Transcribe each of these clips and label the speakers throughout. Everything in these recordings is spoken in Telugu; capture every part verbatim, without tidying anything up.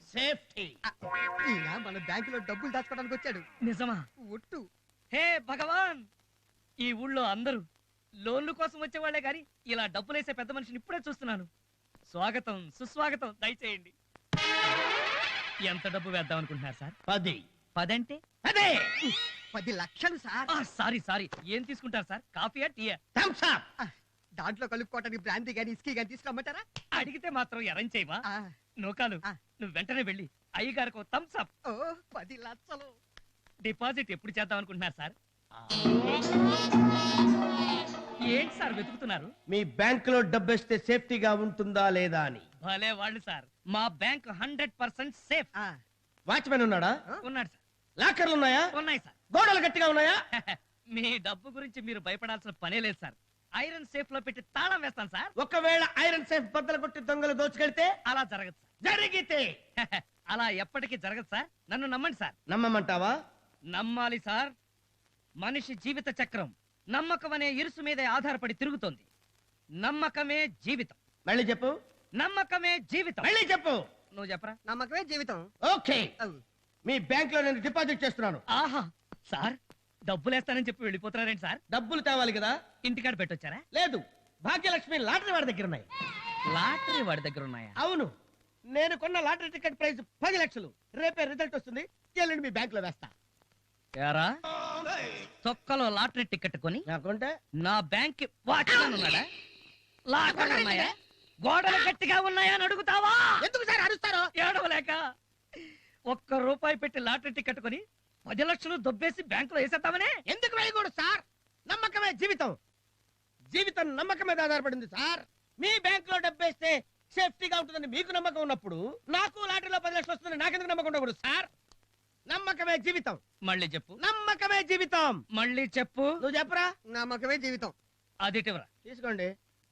Speaker 1: సేఫ్టీ.
Speaker 2: ఈయన మన బ్యాంకులో డబ్బులు దాచుకోవడానికి వచ్చాడు.
Speaker 3: నిజమా?
Speaker 2: ఒట్టు.
Speaker 3: హే భగవాన్, ఈ ఊళ్ళో అందరూ లోన్లు కోసం వచ్చేవాళ్లే గాని ఇలా డబ్బులేసే పెద్ద మనిషిని ఇప్పుడే చూస్తున్నాను. స్వాగతం, సుస్వాగతం, దయచేయండి. ఎంత డబ్బు వేద్దాం అనుకుంటున్నారు సార్?
Speaker 1: పది.
Speaker 3: పదంటే
Speaker 1: అదే
Speaker 2: పది లక్షలు సార్.
Speaker 3: సారీ సారీ, ఏం తీసుకుంటారు సార్? కాఫీయా, టీయా?
Speaker 1: Thums Up.
Speaker 2: దాంట్లో కలుపుకోవటానికి బ్రాందీ గాని ఇస్కీ గాని తీసుకురమ్మంటారా?
Speaker 3: అడిగితే మాత్రం ఎరం చేయవా?
Speaker 2: ఆ,
Speaker 3: నోకాలు,
Speaker 2: ఆ.
Speaker 3: నువ్వు వెంటనే వెళ్ళి అయ్యగారికి థమ్స్ అప్.
Speaker 2: ఓ పది లక్షలు.
Speaker 3: డిపాజిట్ ఎప్పుడు చేద్దాం అనుకుంటున్నారు సార్? ఏంటి సార్ వెతుకుతున్నారు?
Speaker 1: మీ బ్యాంక్ లో డబ్బేస్తే సేఫ్టీగా ఉంటుందా లేదా అని.
Speaker 3: భలే వాళ్ళు సార్, మా బ్యాంక్ హండ్రెడ్ పర్సెంట్ సేఫ్.
Speaker 2: ఆ,
Speaker 1: వాచ్మెన్ ఉన్నాడా?
Speaker 3: ఉన్నాడు సార్.
Speaker 1: లాకర్లు ఉన్నాయా?
Speaker 3: ఉన్నాయి సార్.
Speaker 1: గోడలు గట్టిగా ఉన్నాయా?
Speaker 3: మీ డబ్బు గురించి మీరు భయపడాల్సిన పనే లేదు సార్. ఐరన్ సేఫ్ లో పెట్టి తాళం వేస్తాను సార్.
Speaker 1: ఒకవేళ ఐరన్ సేఫ్ బద్దలు కొట్టి దొంగలు దోచుకెళ్తే?
Speaker 3: అలా జరగదు సార్.
Speaker 1: జరిగితే?
Speaker 3: అలా ఎప్పటికీ జరగదు సార్. నన్ను నమ్మండి సార్.
Speaker 1: నమ్మమంటావా?
Speaker 3: నమ్మాలి సార్. మనిషి జీవిత చక్రం నమ్మకం అనే ఇరుసు మీదే ఆధారపడి తిరుగుతోంది. నమ్మకమే జీవితం.
Speaker 1: మళ్ళీ చెప్పు.
Speaker 3: నమ్మకమే జీవితం.
Speaker 1: మళ్ళీ చెప్పు.
Speaker 3: నువ్వు చెప్పరా?
Speaker 2: నమ్మకమే జీవితం.
Speaker 1: ఓకే, మీ బ్యాంక్ లో నేను డిపాజిట్ చేస్తున్నాను.
Speaker 3: ఆహా సార్, డబ్బులేస్తానని చెప్పి వెళ్ళిపోతున్నారేంటి సార్?
Speaker 1: డబ్బులు తేవాలి కదా.
Speaker 3: ఇంటికాడ పెట్టొచ్చారా?
Speaker 1: లేదు, భాగ్యలక్ష్మి లాటరీ వాడి దగ్గర ఉన్నాయి.
Speaker 3: లాటరీ వాడి దగ్గర ఉన్నాయా?
Speaker 1: అవును, నేను కొన్న లాటరీ టికెట్ ప్రైస్ పది లక్షలు. రేపే రిజల్ట్ వస్తుంది, ఎల్లుండి మీ బ్యాంక్ లో వేస్తా.
Speaker 3: ఏరా, తొక్కలో లాటరీ టికెట్ కొని
Speaker 1: నాకుంటే
Speaker 3: నా బ్యాంక్ వాచ్మెన్ ఉన్నాడా? లాకర్లు ఉన్నాయా? గోడలు గట్టిగా ఉన్నాయా అని అడుగుతావా?
Speaker 1: ఎందుకు సార్ అరుస్తారు?
Speaker 3: ఏడవలేక. ఒక్క రూపాయి పెట్టి లాటరీ టికెట్ కొని పది లక్షలు దొబ్బేసి బ్యాంకులో వేసేద్దామనే.
Speaker 1: ఎందుకు వేయకూడదు సార్? నమ్మకమే జీవితం. జీవితం నమ్మకం మీద ఆధారపడింది సార్. మీ బ్యాంక్ లో డబ్బేస్తే సేఫ్టీగా ఉంటుందని మీకు నమ్మకం ఉన్నప్పుడు నాకు లాటరీలో పది లక్షలు వస్తుందని నాకెందుకు నమ్మకం ఉండకూడదు సార్? నమ్మకమే జీవితం.
Speaker 3: మళ్ళీ చెప్పు.
Speaker 1: నమ్మకమే జీవితం.
Speaker 3: మళ్ళీ చెప్పు.
Speaker 1: నువ్వు చెప్పరా?
Speaker 2: నమ్మకమే జీవితం.
Speaker 3: అది ఇటీవరా.
Speaker 1: తీసుకోండి.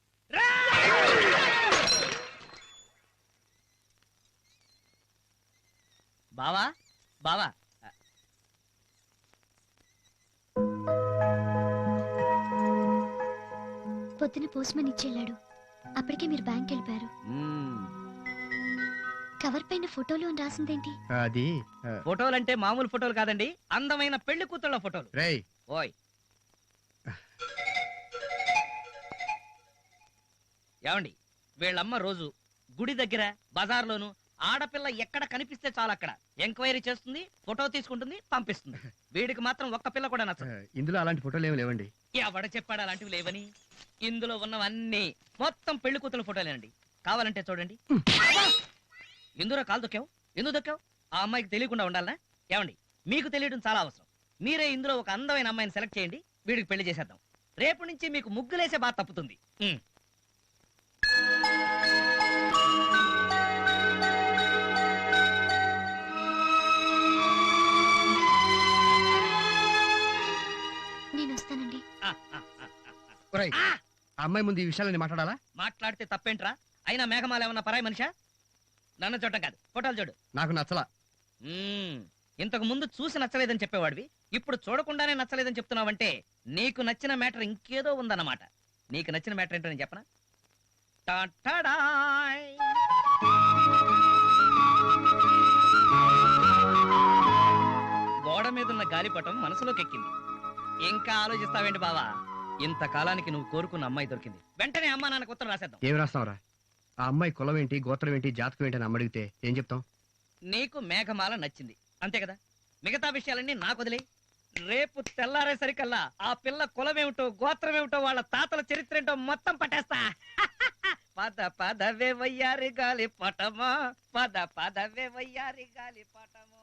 Speaker 3: బావా బావా,
Speaker 4: పొద్దున పోస్ట్మన్ ఇచ్చెళ్ళాడు. అప్పటికే మీరు బ్యాంక్ వెళ్ళిపోయారు. కవర్ పైన ఫోటోలు అని రాసిందేంటి?
Speaker 5: అది
Speaker 3: ఫోటోలు అంటే మామూలు ఫోటోలు కాదండి, అందమైన పెళ్లి కూతుళ్ళ ఫోటోలు.
Speaker 5: రేయ్,
Speaker 3: ఓయ్ ఏమండి, వీళ్ళమ్మ రోజు గుడి దగ్గర బజార్లోను ఆడపిల్ల ఎక్కడ కనిపిస్తే చాలు అక్కడ ఎంక్వైరీ చేస్తుంది, ఫోటో తీసుకుంటుంది, పంపిస్తుంది. వీడికి మాత్రం ఒక్క పిల్ల కూడా నచ్చదు.
Speaker 5: ఇందులో అలాంటి ఫోటోలు ఏమి లేవండి.
Speaker 3: ఎవడ చెప్పాడు అలాంటివి లేవని? ఇందులో ఉన్నవన్నీ మొత్తం పెళ్లి కూతురు ఫోటోలేనండి. కావాలంటే చూడండి. ఎందులో కాలు దొక్కావు? ఎందుకు దొక్కావు? ఆ అమ్మాయికి తెలియకుండా ఉండాలనా? ఏమండి, మీకు తెలియడం చాలా అవసరం. మీరే ఇందులో ఒక అందమైన అమ్మాయిని సెలెక్ట్ చేయండి, వీడికి పెళ్లి చేసేద్దాం. రేపు నుంచి మీకు ముగ్గులేసే బాధ తప్పుతుంది.
Speaker 4: నేను వస్తానండి.
Speaker 5: అమ్మాయి ముందు ఈ విషయాలని మాట్లాడాలా?
Speaker 3: మాట్లాడితే తప్పేంట్రా? అయినా మేఘమాల ఏమన్నా పరాయి మనిషా? నన్ను చూడటం కాదు, ఫోటోలు చూడు.
Speaker 5: నాకు నచ్చలా.
Speaker 3: ఇంతకు ముందు చూసి నచ్చలేదని చెప్పేవాడివి, ఇప్పుడు చూడకుండానే నచ్చలేదని చెప్తున్నావంటే నీకు నచ్చిన మ్యాటర్ ఇంకేదో ఉందన్నమాట. నీకు నచ్చిన మ్యాటర్ ఏంటో నేను చెప్పనా? టాటాడాయ్. గోడ మీదున్న గాలిపటం మనసులోకి ఎక్కింది. ఇంకా ఆలోచిస్తావేంటి బావా? ఇంతకాలానికి నువ్వు కోరుకున్న అమ్మాయి దొరికింది. వెంటనే అమ్మా నాన్నకు ఉత్తరం రాసేద్దాం.
Speaker 5: ఏం రాస్తావరా? ఆ అమ్మాయి కులం ఏంటి, గోత్రం ఏంటి, జాతకం ఏంటి అని అమ్మడిగితే ఏం చెప్తాం?
Speaker 3: నీకు మేఘమాల నచ్చింది అంతే కదా, మిగతా విషయాలన్నీ నాకు వదిలే. రేపు తెల్లారేసరికల్లా ఆ పిల్ల కులమేమిటో గోత్రమేమిటో వాళ్ళ తాతల చరిత్ర ఏంటో మొత్తం పట్టేస్తా. పద పదవే వయ్యారి గాలి పటమా, పద పదవే వయ్యారి గాలి పటమో.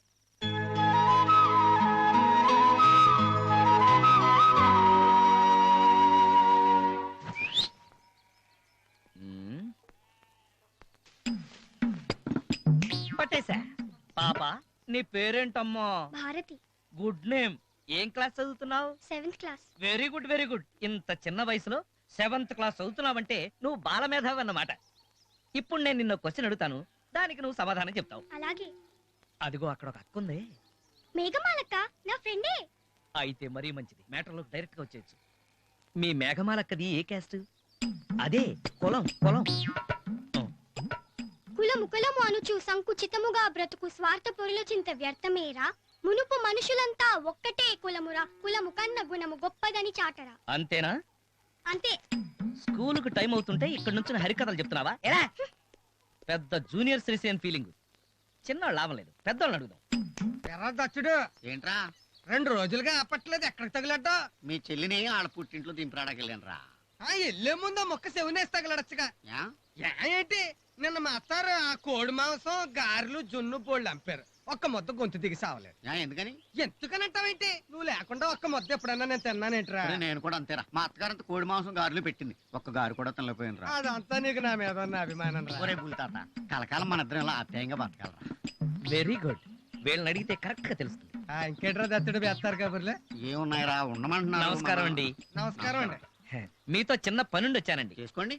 Speaker 3: పట్టేశా. పాప, నీ పేరేంటమ్మా?
Speaker 4: భారతి.
Speaker 3: Good name. ఏం క్లాస్ చదువుతున్నావు?
Speaker 4: Seventh class.
Speaker 3: Very good very good. ఇంత చిన్న వయసులో సెవెంత్ క్లాస్ చదువుతున్నావంటే నువ్వు బాలమేధావి అన్నమాట. ఇప్పుడు నేను నిన్న క్వశ్చన్ అడుగుతాను, దానికి నువ్వు సమాధానం చెప్తావు.
Speaker 4: అలాగే.
Speaker 3: అదిగో అక్కడ ఒక అక్క ఉంది.
Speaker 4: మేఘమాలక్క నా ఫ్రెండే.
Speaker 3: అయితే మరీ మంచిది, మ్యాటర్లోకి డైరెక్ట్ గా వచ్చేయచ్చు. మీ మేఘమాలక్కది ఏ క్యాస్ట్? అదే కులం. కులం
Speaker 4: కులమా? కులము కులము అనుచు సంకుచితముగా బ్రతుకు స్వార్థ పొరుల చింత వ్యర్థమేరా మునుపు మనుషులంతా ఒక్కటే కులమురా కులము కన్న గుణము గొప్పదని చాటరా
Speaker 3: అంతేనా?
Speaker 4: అంతే.
Speaker 3: స్కూలుకు టైం అవుతుంటే ఇక్కడ నుంచి హరికథలు చెప్తున్నావా? ఎరా పెద్ద జూనియర్ శ్రీసేన్ ఫీలింగ్. చిన్నవాళ్ళు లాభం లేదు, పెద్దవాళ్ళని అడుగుదాం.
Speaker 2: ఎర్ర దచ్చుడు
Speaker 6: ఏంట్రా
Speaker 2: రెండు రోజులుగా అప్పట్లేదు ఎక్కడికి తగిలడ్డా
Speaker 6: మీ చెల్లిని ఆడ పుట్టింట్లో దింపరాడకెళ్ళానురా.
Speaker 2: ఆ ఎల్లే ముందు ఆ మొక్క సెవెనేసి తగలడచ్చుగా.
Speaker 6: యా?
Speaker 2: యా ఏంటి నిన్న మా అత్తారు ఆ కోడి మాంసం గారెలు జున్ను పోళ్ళు అంపారు. ఒక్క ముద్ద గొంతు దిగి సావలేదు.
Speaker 6: యా, ఎందుకని?
Speaker 2: ఎందుకనంటావేంటి? నువ్వు లేకుండా ఒక్క ముద్ద ఎప్పుడన్నా నేను తిన్నానేంట్రా?
Speaker 6: అరే, నేను కూడా అంతేరా. మా అత్తగారంత కోడి మాంసం గారెలు పెట్టింది, ఒక్క గారు కూడా తినలేకపోయినరా.
Speaker 2: అదంతా నీకు నా మీద ఉన్న అభిమానం రా.
Speaker 6: ఒరే బుల్తాత, కలకాలం మన ఇద్దరం ఇలా ఆప్యాయంగా బతకాలరా.
Speaker 3: Very good. వీళ్ళని అడిగితే కరెక్ట్ గా తెలుస్తుంది.
Speaker 2: ఆ, ఇంకేట్రా దత్తుడు వేస్తారు కబుర్లే.
Speaker 6: ఏమున్నాయిరా, ఉండమంటున్నారు.
Speaker 3: నమస్కారం అండి.
Speaker 2: నమస్కారం అండి.
Speaker 3: మీతో చిన్న పనుండి వచ్చానండి.
Speaker 6: చేసుకోండి.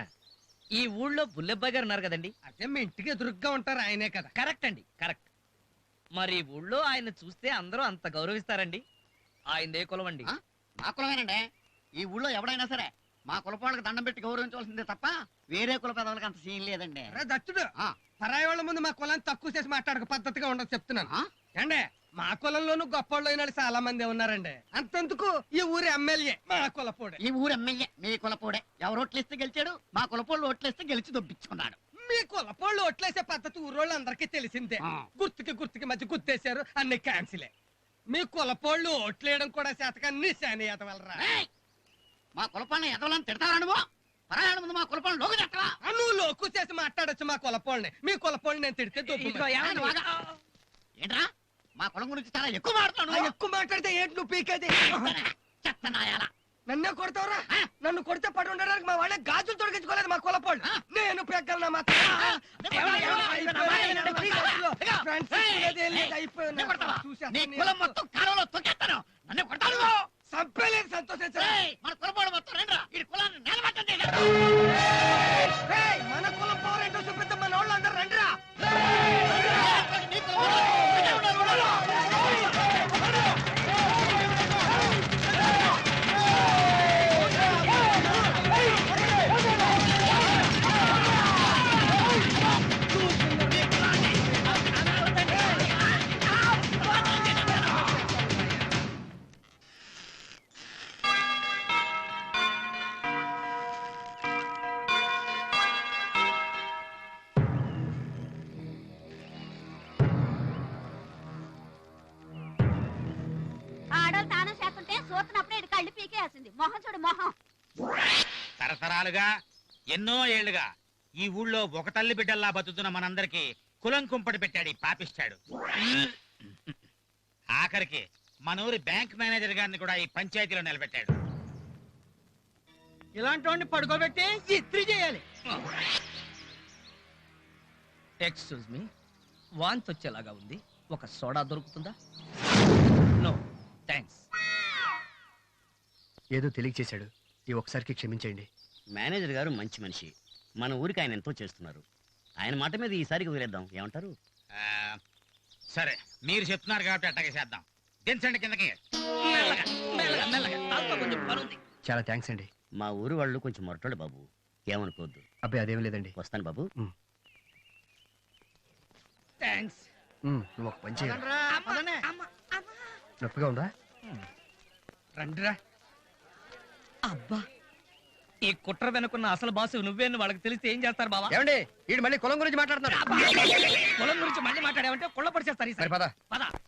Speaker 3: ఈ ఊళ్ళో బుల్లెబ్బాయి గారు ఉన్నారు కదండి.
Speaker 2: అదే మీ ఇంటికి ఎదురుగ్గా ఉంటారు ఆయనే కదా.
Speaker 3: కరెక్ట్ అండి, కరెక్ట్. మరి ఈ ఊళ్ళో ఆయన చూస్తే అందరూ అంత గౌరవిస్తారండి. ఆయన ఏ కులం అండి?
Speaker 6: ఆ? మా కులమేనండి. ఈ ఊళ్ళో ఎవడైనా సరే మా కులపాళ్ళకి దండం పెట్టి గౌరవించవలసిందే తప్ప వేరే కుల పెదవులకి అంత సీన్ లేదండి.
Speaker 2: రే దత్తుడు,
Speaker 6: ఆ.
Speaker 2: పరాయి వాళ్ళ ముందు మా కులాన్ని తక్కువ చేసి మాట్లాడక పద్ధతిగా ఉండదు చెప్తున్నాను.
Speaker 6: ఆ?
Speaker 2: ఏండే మా కులంలోనూ గొప్పోళ్ళు అయిన వాళ్ళు చాలా మంది ఉన్నారండి. అంతెందుకు ఈ ఊరి ఎమ్మెల్యే మా కులపోడే.
Speaker 6: ఈ ఊరు ఎమ్మెల్యే మీ కులపోడే. ఎవరు ఓట్లేస్తే గెలిచాడు, మా కులపోళ్ళు ఓట్లేస్తే గెలిచి దొబ్బించుకున్నాడు.
Speaker 2: మీ కులపోళ్ళు ఓట్లేసే పద్ధతి ఊరోళ్ళు అందరికీ తెలిసిందే.
Speaker 6: ఆ.
Speaker 2: గుర్తుకి గుర్తుకి మధ్య గుర్తేశారు, అన్ని క్యాన్సిలే. మీ కులపోళ్ళు ఓట్లేయడం కూడా శాతకాన్ని శానియత వలరా.
Speaker 6: ఏయ్! మా కులపాలను ఎదవలని తిడతావా నువ్వు? పరాయాల ముందు మా కులపాలను లోకి తిట్టవా?
Speaker 2: ఆ, నువ్వు లోకు చేసి మాట్లాడొచ్చు మా కులపోళ్ళని. మీ కులపోళ్ళని నేను తిడితే దొబ్బు
Speaker 3: ఇదిగో
Speaker 2: మరి.
Speaker 3: ఏమండి?
Speaker 6: వాగా. ఏంట్రా మా కులం గురించి చాలా ఎక్కువ
Speaker 2: ఆ,
Speaker 6: మాట్లాడుతున్నావు.
Speaker 2: ఎక్కువ మాట్లాడితే ఏంటి నువ్వు పీకేది?
Speaker 6: చెత్త నాయాల.
Speaker 2: నన్నే కొడతావురా? నన్ను కొడితే పడి ఉండడానికి మా వాళ్ళే గాజులు తొడిగించుకోలేదు మా కులపోళ్ళు. నేను పెగ్గలనా మాత్రం.
Speaker 6: ఎవరు, ఎవరు, ఎవరు,
Speaker 2: ఫ్రెండ్స్ ఇప్పుడేదే లేదు, అయిపోయింది.
Speaker 6: నీ కొడతావా?
Speaker 2: చూసేస్తా
Speaker 6: నీ
Speaker 2: నీ
Speaker 6: కులం
Speaker 2: అసలు.
Speaker 6: మొత్తం కాలంలో తొక్కేస్తాను. నన్ను కొడతాను నువ్వు.
Speaker 2: చంపేలేదు, సంతోషించరా?
Speaker 6: ఏయ్, మన కులపోడు మొత్తం రండిరా. ఈ కులాన్ని నిలబెట్టం చేశారు.
Speaker 2: ఏయ్, మన కులం పవర్ ఏంటో చూపిద్దాం, మన వాళ్ళు అందరూ రండిరా.
Speaker 6: నీ కులపోడు ఇక్కడే ఉన్నారు.
Speaker 7: ఆడలు తానం చేస్తుంటే సూతనప్పుడే ఇది కళ్ళు పీకేసింది. మొహం చూడు మొహం.
Speaker 8: తరతరాలుగా ఎన్నో ఏళ్లుగా ఈ ఊళ్ళో ఒక తల్లి బిడ్డల్లా బతుకుతున్న మనందరికి కులం కుంపటి పెట్టాడు ఈ పాపిస్తాడు. ఆఖరికి మన ఊరి బ్యాంక్ మేనేజర్ గారిని కూడా ఈ పంచాయతీలో నిలబెట్టాడు.
Speaker 1: ఇలాంటి వాడిని పడుకోబెట్టి ఇస్త్రీ చేయాలి.
Speaker 3: ఎక్స్క్యూజ్ మీ, వాంతి వచ్చేలాగా ఉంది. ఒక సోడా దొరుకుతుందా? No thanks.
Speaker 5: ఏదో తెలియచేశాడు. ఈ ఒకసారికి క్షమించండి.
Speaker 9: మేనేజర్ గారు మంచి మనిషి. మన ఊరికి ఆయన ఎంతో చేస్తున్నారు. ఆయన మాట మీద ఈసారికి వదిలేద్దాం, ఏమంటారు?
Speaker 8: ఆ, సరే మీరు చెప్తున్నారు కాబట్టి అట్టగే చేద్దాం. దించండి కిందకి.
Speaker 3: మెల్లగా మెల్లగా మెల్లగా, నాతో కొంచెం పనుంది.
Speaker 5: చాలా థ్యాంక్స్ అండి.
Speaker 9: మా ఊరు వాళ్ళు కొంచెం మొరటోడు బాబు, ఏమనుకోవద్దు.
Speaker 5: అబ్బాయి అదేం లేదండి.
Speaker 9: వస్తాను బాబు.
Speaker 3: థ్యాంక్స్.
Speaker 5: ఉమ్, నువ్వు ఒక పని చేయాలి.
Speaker 2: పదండ్రా, పదండి.
Speaker 5: నొప్పిగా ఉందా?
Speaker 2: రండిరా.
Speaker 3: అబ్బా, ఈ కుట్ర వెనుకున్న అసలు బాసు నువ్వేను వాళ్ళకి తెలిస్తే ఏం చేస్తారు బాబా?
Speaker 5: ఏమండి వీడు మళ్ళీ కులం గురించి మాట్లాడుతున్నాడు.
Speaker 3: పొలం గురించి మళ్ళీ మాట్లాడావంటే కుళ్ళ పరిచేస్తారు.
Speaker 5: సరే పద.
Speaker 3: పద.